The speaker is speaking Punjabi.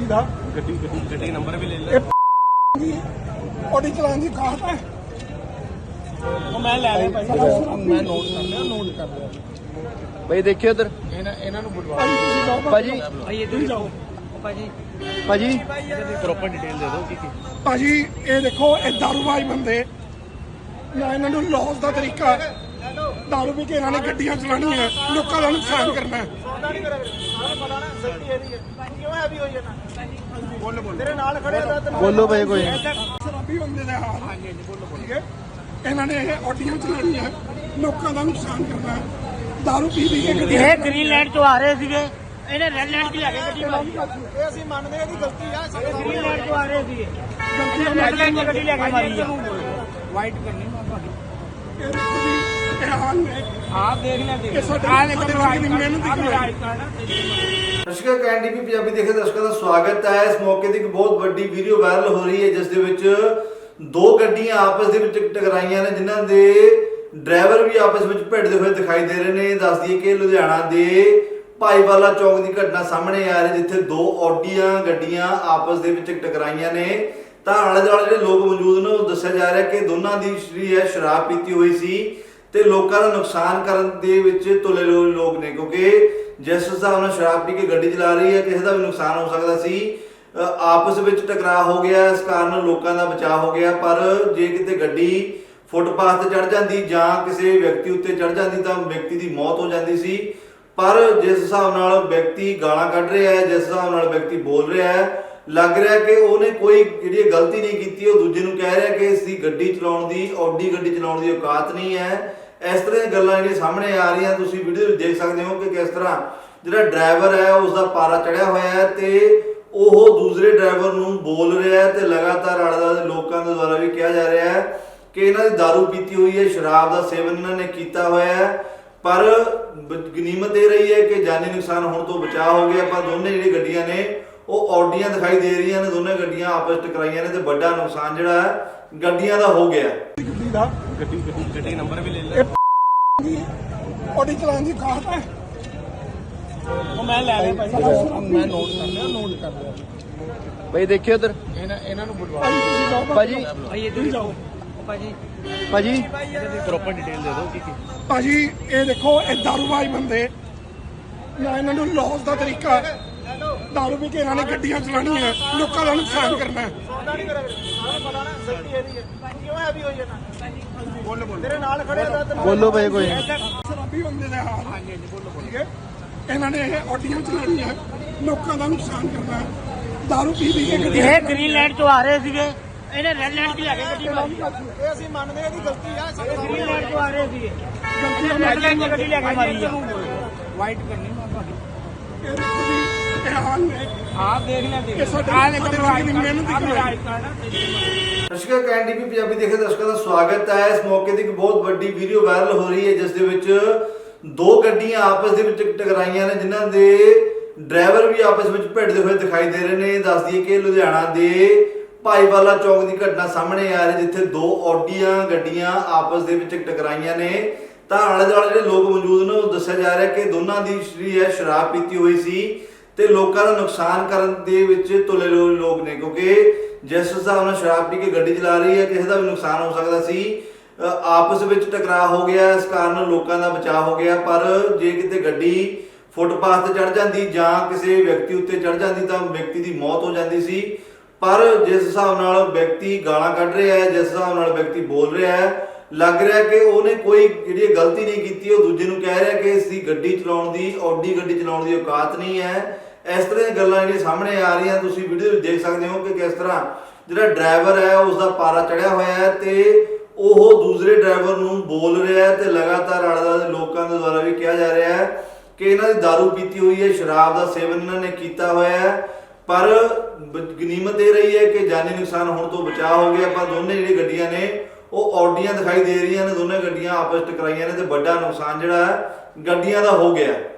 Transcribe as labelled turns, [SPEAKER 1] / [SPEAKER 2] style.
[SPEAKER 1] ਦਾ
[SPEAKER 2] ਗੱਡੀ ਨੰਬਰ ਵੀ ਲੈ ਲੈ।
[SPEAKER 1] ऑडी चलाने की काट है
[SPEAKER 2] ਉਹ ਮੈਂ ਲੈ ਲਿਆ ਭਾਈ।
[SPEAKER 1] मैं नोट कर लिया
[SPEAKER 3] ਭਾਈ ਦੇਖਿਓ ਉਧਰ
[SPEAKER 2] ਇਹਨਾਂ ਨੂੰ ਬੁਲਵਾ
[SPEAKER 3] ਭਾਜੀ
[SPEAKER 2] ਭਾਈ ਇੱਧਰ ਜਾਓ ਭਾਜੀ
[SPEAKER 3] ਭਾਜੀ
[SPEAKER 2] ਪ੍ਰੋਪਰ ਡਿਟੇਲ ਦੇ ਦਿਓ ਕੀ
[SPEAKER 1] ਭਾਜੀ ਇਹ ਦੇਖੋ ਇਹ ਦਾਰੂਬਾਜ਼ ਬੰਦੇ ਨਾ ਇਹਨਾਂ ਨੂੰ ਲੌਸ ਦਾ ਤਰੀਕਾ ਹੈ। ਦਾਰੂ ਪੀ ਕੇ ਇਹਨਾਂ ਨੇ ਗੱਡੀਆਂ ਚਲਾਉਣੀਆਂ ਲੋਕਾਂ ਦਾ ਨੁਕਸਾਨ ਕਰਨਾ ਹੈ।
[SPEAKER 3] ਬੋਲੋ ਭਾਈ ਕੋਈ
[SPEAKER 1] ਸ਼ਰਾਬੀ ਬੰਦੇ ਦੇ ਹਾਲ ਠੀਕ ਹੈ ਇਹਨਾਂ ਨੇ ਇਹ ਆਡੀਆਂ ਚਲਾਉਣੀਆਂ ਲੋਕਾਂ ਦਾ ਨੁਕਸਾਨ ਕਰਨਾ ਹੈ। ਦਾਰੂ ਪੀ ਕੇ ਗੱਡੀਆਂ
[SPEAKER 4] ਇਹ ਗ੍ਰੀਨ ਲੈਂਡ ਤੋਂ ਆ ਰਹੇ ਸੀਗੇ ਇਹਨੇ ਰੈੱਡ ਲੈਂਡ 'ਚ ਲੈ ਕੇ ਗੱਡੀ ਮਾਰੀ
[SPEAKER 1] ਇਹ ਅਸੀਂ ਮੰਨਦੇ ਹਾਂ ਇਹਦੀ ਗਲਤੀ ਆ
[SPEAKER 4] ਗ੍ਰੀਨ ਲੈਂਡ ਤੋਂ ਆ ਰਹੇ ਸੀਗੇ ਇਹਨੇ ਰੈੱਡ ਲੈਂਡ 'ਚ ਗੱਡੀ ਲੈ ਕੇ ਮਾਰੀ ਆ
[SPEAKER 2] ਵਾਈਟ ਕਰਨੀ
[SPEAKER 1] ਇਹ ਦੇਖੋ ਜੀ ਇਹ ਹਾਲ ਨੇ
[SPEAKER 2] ਆਪ ਦੇਖ ਲੈ
[SPEAKER 1] ਇਹ ਸਾਡੇ ਵਰਗੀ ਦੀ ਮਿਹਨਤ ਦੀ ਕਮਾਈ
[SPEAKER 3] ਦਰਸ਼ਕਾਂ ਕੈਂਡੀਪੀ ਪੰਜਾਬੀ ਦੇਖੇ ਦਰਸ਼ਕਾਂ ਦਾ ਸਵਾਗਤ ਹੈ। ਇਸ ਮੌਕੇ ਤੇ ਇੱਕ ਬਹੁਤ ਵੱਡੀ ਵੀਡੀਓ ਵਾਇਰਲ ਹੋ ਰਹੀ ਹੈ ਜਿਸ ਦੇ ਵਿੱਚ ਦੋ ਗੱਡੀਆਂ ਆਪਸ ਦੇ ਵਿੱਚ ਟਕਰਾਈਆਂ ਨੇ ਜਿਨ੍ਹਾਂ ਦੇ ਡਰਾਈਵਰ ਵੀ ਆਪਸ ਵਿੱਚ ਭਿੜਦੇ ਹੋਏ ਦਿਖਾਈ ਦੇ ਰਹੇ ਨੇ। ਦੱਸ ਦਈਏ ਕਿ ਲੁਧਿਆਣਾ ਦੇ ਭਾਈਵਾਲਾ ਚੌਕ ਦੀ ਘਟਨਾ ਸਾਹਮਣੇ ਆ ਰਹੀ ਜਿੱਥੇ ਦੋ ਆਡੀਆਂ ਗੱਡੀਆਂ ਆਪਸ ਦੇ ਵਿੱਚ ਟਕਰਾਈਆਂ ਨੇ ਤਾਂ ਆਲੇ ਦੁਆਲੇ ਜਿਹੜੇ ਲੋਕ ਮੌਜੂਦ ਨੇ ਉਹ ਦੱਸਿਆ ਜਾ ਰਿਹਾ ਕਿ ਦੋਨਾਂ ਦੀ ਜਿਹੜੀ ਹੈ ਸ਼ਰਾਬ ਪੀਤੀ ਹੋਈ ਸੀ ਤੇ ਲੋਕਾਂ ਦਾ ਨੁਕਸਾਨ ਕਰਨ ਦੇ ਵਿੱਚ ਤੁਲੇ ਲੋਕ ਨੇ ਕਿਉਂਕਿ ਜਿਸ ਹਿਸਾਬ ਨਾਲ ਸ਼ਰਾਬ ਪੀ ਕੇ ਗੱਡੀ ਚਲਾ ਰਹੀ ਹੈ ਕਿਸੇ ਦਾ ਵੀ ਨੁਕਸਾਨ ਹੋ ਸਕਦਾ ਸੀ। ਆਪਸ ਵਿੱਚ ਟਕਰਾਅ ਹੋ ਗਿਆ ਇਸ ਕਾਰਨ ਲੋਕਾਂ ਦਾ ਬਚਾਅ ਹੋ ਗਿਆ ਪਰ ਜੇ ਕਿਤੇ ਗੱਡੀ ਫੁੱਟਪਾਥ ਤੇ ਚੜ ਜਾਂਦੀ ਜਾਂ ਕਿਸੇ ਵਿਅਕਤੀ ਉੱਤੇ ਚੜ ਜਾਂਦੀ ਤਾਂ ਵਿਅਕਤੀ ਦੀ ਮੌਤ ਹੋ ਜਾਂਦੀ ਸੀ। ਪਰ ਜਿਸ ਹਿਸਾਬ ਨਾਲ ਵਿਅਕਤੀ ਗਾਲਾਂ ਕੱਢ ਰਿਹਾ ਹੈ ਜਿਸ ਹਿਸਾਬ ਨਾਲ ਵਿਅਕਤੀ ਬੋਲ ਰਿਹਾ ਹੈ ਲੱਗ ਰਿਹਾ ਕਿ ਉਹਨੇ ਕੋਈ ਜਿਹੜੀ ਗਲਤੀ ਨਹੀਂ ਕੀਤੀ। ਉਹ ਦੂਜੇ ਨੂੰ ਕਹਿ ਰਿਹਾ ਕਿ ਇਸ ਦੀ ਗੱਡੀ ਚਲਾਉਣ ਦੀ ਆਡੀ ਗੱਡੀ ਚਲਾਉਣ ਦੀ ਔਕਾਤ ਨਹੀਂ ਹੈ। ਇਸ ਤਰ੍ਹਾਂ ਦੀਆਂ ਗੱਲਾਂ ਜਿਹੜੀਆਂ ਸਾਹਮਣੇ ਆ ਰਹੀਆਂ ਤੁਸੀਂ ਵੀਡੀਓ ਵਿੱਚ ਦੇਖ ਸਕਦੇ ਹੋ ਕਿ ਕਿਸ ਤਰ੍ਹਾਂ ਜਿਹੜਾ ਡਰਾਈਵਰ ਹੈ ਉਸ ਦਾ ਪਾਰਾ ਚੜਿਆ ਹੋਇਆ ਹੈ ਤੇ ਉਹ ਦੂਸਰੇ ਡਰਾਈਵਰ ਨੂੰ ਬੋਲ ਰਿਹਾ ਹੈ ਤੇ ਲਗਾਤਾਰ ਆਲੇ-ਦੁਆਲੇ ਲੋਕਾਂ ਦੇ ਦੁਆਰਾ ਵੀ ਕਿਹਾ ਜਾ ਰਿਹਾ ਹੈ ਕਿ ਇਹਨਾਂ ਦੀ ਦਾਰੂ ਪੀਤੀ ਹੋਈ ਹੈ, ਸ਼ਰਾਬ ਦਾ ਸੇਵਨ ਇਹਨਾਂ ਨੇ ਕੀਤਾ ਹੋਇਆ ਹੈ। ਪਰ ਗਨੀਮਤ ਇਹ ਰਹੀ ਹੈ ਕਿ ਜਾਨੀ ਨੁਕਸਾਨ ਹੋਣ ਤੋਂ ਬਚਾਅ ਹੋ ਗਿਆ। ਪਰ ਦੋਨੇ ਜਿਹੜੀ ਗੱਡੀਆਂ ਨੇ ਉਹ ਆਡੀਆਂ ਦਿਖਾਈ ਦੇ ਰਹੀਆਂ ਨੇ, ਦੋਨੇ ਗੱਡੀਆਂ ਆਪਸ ਵਿੱਚ ਟਕਰਾਈਆਂ ਨੇ ਤੇ ਵੱਡਾ ਨੁਕਸਾਨ ਜਿਹੜਾ ਹੈ ਗੱਡੀਆਂ ਦਾ ਹੋ ਗਿਆ।
[SPEAKER 2] ਗੱਡੀ ਨੰਬਰ ਵੀ ਲੈ ਲੈ।
[SPEAKER 1] ऑडी चलाने की काट है
[SPEAKER 2] ਉਹ ਮੈਂ ਲੈ ਲਿਆ ਭਾਈ।
[SPEAKER 1] मैं नोट कर लिया
[SPEAKER 3] ਭਾਈ ਦੇਖਿਓ ਉਧਰ
[SPEAKER 2] ਇਹਨਾਂ ਨੂੰ ਬੁਲਵਾ
[SPEAKER 3] ਭਾਜੀ
[SPEAKER 4] ਭਾਈ ਇੱਧਰ ਜਾਓ ਭਾਜੀ
[SPEAKER 3] ਭਾਜੀ
[SPEAKER 2] ਪ੍ਰੋਪਰ ਡਿਟੇਲ ਦੇ ਦਿਓ ਕੀ
[SPEAKER 1] ਭਾਜੀ ਇਹ ਦੇਖੋ ਇਹ ਦਾਰੂਬਾਜ਼ ਬੰਦੇ ਨਾ ਇਹਨਾਂ ਨੂੰ ਲੌਸ ਦਾ ਤਰੀਕਾ ਹੈ। ਦਾਰੂ ਪੀ ਕੇ ਇਹਨਾਂ ਨੇ ਗੱਡੀਆਂ ਚਲਾਉਣੀਆਂ ਲੋਕਾਂ ਦਾ ਨੁਕਸਾਨ ਕਰਨਾ ਹੈ।
[SPEAKER 3] ਬੋਲੋ ਭਾਈ ਕੋਈ
[SPEAKER 1] ਸ਼ਰਾਬੀ ਬੰਦੇ ਦੇ ਹਾਲ ਠੀਕ ਹੈ ਇਹਨਾਂ ਨੇ ਇਹ ਆਡੀਆਂ ਚਲਾਉਣੀਆਂ ਲੋਕਾਂ ਦਾ ਨੁਕਸਾਨ ਕਰਨਾ ਹੈ। ਦਾਰੂ ਪੀ ਕੇ ਗੱਡੀਆਂ
[SPEAKER 4] ਇਹ ਗ੍ਰੀਨ ਲੈਂਡ ਤੋਂ ਆ ਰਹੇ ਸੀਗੇ ਇਹਨੇ ਰੈੱਡ ਲੈਂਡ 'ਚ ਲੈ ਕੇ ਗੱਡੀ ਮਾਰੀ
[SPEAKER 1] ਇਹ ਅਸੀਂ ਮੰਨਦੇ ਹਾਂ ਇਹਦੀ ਗਲਤੀ ਆ
[SPEAKER 4] ਗ੍ਰੀਨ ਲੈਂਡ ਤੋਂ ਆ ਰਹੇ ਸੀਗੇ ਇਹਨੇ ਰੈੱਡ ਲੈਂਡ 'ਚ ਗੱਡੀ ਲੈ ਕੇ ਮਾਰੀ ਆ
[SPEAKER 2] ਵਾਈਟ ਕਰਨੀ
[SPEAKER 1] ਇਹ ਦੇਖੋ ਜੀ ਇਹ ਹਾਲ ਨੇ
[SPEAKER 2] ਆਪ ਦੇਖ ਲੈ
[SPEAKER 1] ਇਹ ਸਾਡੇ ਵਰਗੀ ਦੀ ਮਿਹਨਤ ਦੀ ਕਮਾਈ
[SPEAKER 3] ਦਰਸ਼ਕਾਂ ਕੈਂਡੀਪੀ ਪੰਜਾਬੀ ਦੇਖੇ ਦਰਸ਼ਕਾਂ ਦਾ ਸਵਾਗਤ ਹੈ। ਇਸ ਮੌਕੇ ਤੇ ਇੱਕ ਬਹੁਤ ਵੱਡੀ ਵੀਡੀਓ ਵਾਇਰਲ ਹੋ ਰਹੀ ਹੈ ਜਿਸ ਦੇ ਵਿੱਚ ਦੋ ਗੱਡੀਆਂ ਆਪਸ ਦੇ ਵਿੱਚ ਟਕਰਾਈਆਂ ਨੇ ਜਿਨ੍ਹਾਂ ਦੇ ਡਰਾਈਵਰ ਵੀ ਆਪਸ ਵਿੱਚ ਭਿੜਦੇ ਹੋਏ ਦਿਖਾਈ ਦੇ ਰਹੇ ਨੇ। ਦੱਸ ਦਈਏ ਕਿ ਲੁਧਿਆਣਾ ਦੇ ਭਾਈਵਾਲਾ ਚੌਕ ਦੀ ਘਟਨਾ ਸਾਹਮਣੇ ਆ ਰਹੀ ਜਿੱਥੇ ਦੋ ਆਡੀਆਂ ਗੱਡੀਆਂ ਆਪਸ ਦੇ ਵਿੱਚ ਟਕਰਾਈਆਂ ਨੇ ਤਾਂ ਆਲੇ ਦੁਆਲੇ ਜਿਹੜੇ ਲੋਕ ਮੌਜੂਦ ਨੇ ਉਹ ਦੱਸਿਆ ਜਾ ਰਿਹਾ ਕਿ ਦੋਨਾਂ ਦੀ ਜਿਹੜੀ ਹੈ ਸ਼ਰਾਬ ਪੀਤੀ ਹੋਈ ਸੀ ਤੇ ਲੋਕਾਂ ਦਾ ਨੁਕਸਾਨ ਕਰਨ ਦੇ ਵਿੱਚ ਤੁਲੇ ਲੋਕ ਨੇ ਕਿਉਂਕਿ ਜਿਸ ਹਿਸਾਬ ਨਾਲ ਸ਼ਰਾਬ ਪੀ ਕੇ ਗੱਡੀ ਚਲਾ ਰਹੀ ਹੈ ਕਿਸੇ ਦਾ ਵੀ ਨੁਕਸਾਨ ਹੋ ਸਕਦਾ ਸੀ। ਆਪਸ ਵਿੱਚ ਟਕਰਾਅ ਹੋ ਗਿਆ ਇਸ ਕਾਰਨ ਲੋਕਾਂ ਦਾ ਬਚਾਅ ਹੋ ਗਿਆ ਪਰ ਜੇ ਕਿਤੇ ਗੱਡੀ ਫੁੱਟਪਾਥ ਤੇ ਚੜ ਜਾਂਦੀ ਜਾਂ ਕਿਸੇ ਵਿਅਕਤੀ ਉੱਤੇ ਚੜ ਜਾਂਦੀ ਤਾਂ ਵਿਅਕਤੀ ਦੀ ਮੌਤ ਹੋ ਜਾਂਦੀ ਸੀ। ਪਰ ਜਿਸ ਹਿਸਾਬ ਨਾਲ ਵਿਅਕਤੀ ਗਾਲਾਂ ਕੱਢ ਰਿਹਾ ਹੈ ਜਿਸ ਹਿਸਾਬ ਨਾਲ ਵਿਅਕਤੀ ਬੋਲ ਰਿਹਾ ਹੈ ਲੱਗ ਰਿਹਾ ਕਿ ਉਹਨੇ ਕੋਈ ਜਿਹੜੀ ਗਲਤੀ ਨਹੀਂ ਕੀਤੀ। ਉਹ ਦੂਜੇ ਨੂੰ ਕਹਿ ਰਿਹਾ ਕਿ ਇਸ ਦੀ ਗੱਡੀ ਚਲਾਉਣ ਦੀ ਆਡੀ ਗੱਡੀ ਚਲਾਉਣ ਦੀ ਔਕਾਤ ਨਹੀਂ ਹੈ। ਇਸ ਤਰ੍ਹਾਂ ਦੀਆਂ ਗੱਲਾਂ ਜਿਹੜੀਆਂ ਸਾਹਮਣੇ ਆ ਰਹੀਆਂ ਤੁਸੀਂ ਵੀਡੀਓ ਵਿੱਚ ਦੇਖ ਸਕਦੇ ਹੋ ਕਿ ਕਿਸ ਤਰ੍ਹਾਂ ਜਿਹੜਾ ਡਰਾਈਵਰ ਹੈ ਉਸ ਦਾ ਪਾਰਾ ਚੜਿਆ ਹੋਇਆ ਹੈ ਤੇ ਉਹ ਦੂਸਰੇ ਡਰਾਈਵਰ ਨੂੰ ਬੋਲ ਰਿਹਾ ਹੈ ਤੇ ਲਗਾਤਾਰ ਆਲੇ-ਦੁਆਲੇ ਲੋਕਾਂ ਦੇ ਦੁਆਰਾ ਵੀ ਕਿਹਾ ਜਾ ਰਿਹਾ ਹੈ ਕਿ ਇਹਨਾਂ ਦੀ ਦਾਰੂ ਪੀਤੀ ਹੋਈ ਹੈ, ਸ਼ਰਾਬ ਦਾ ਸੇਵਨ ਇਹਨਾਂ ਨੇ ਕੀਤਾ ਹੋਇਆ ਹੈ। ਪਰ ਗਨੀਮਤ ਇਹ ਰਹੀ ਹੈ ਕਿ ਜਾਨੀ ਨੁਕਸਾਨ ਹੋਣ ਤੋਂ ਬਚਾਅ ਹੋ ਗਿਆ। ਪਰ ਦੋਨੇ ਜਿਹੜੀ ਗੱਡੀਆਂ ਨੇ ਉਹ ਆਡੀਆਂ ਦਿਖਾਈ ਦੇ ਰਹੀਆਂ ਨੇ, ਦੋਨੇ ਗੱਡੀਆਂ ਆਪਸ ਟਕਰਾਈਆਂ ਨੇ ਤੇ ਵੱਡਾ ਨੁਕਸਾਨ ਜਿਹੜਾ ਹੈ ਗੱਡੀਆਂ ਦਾ ਹੋ ਗਿਆ।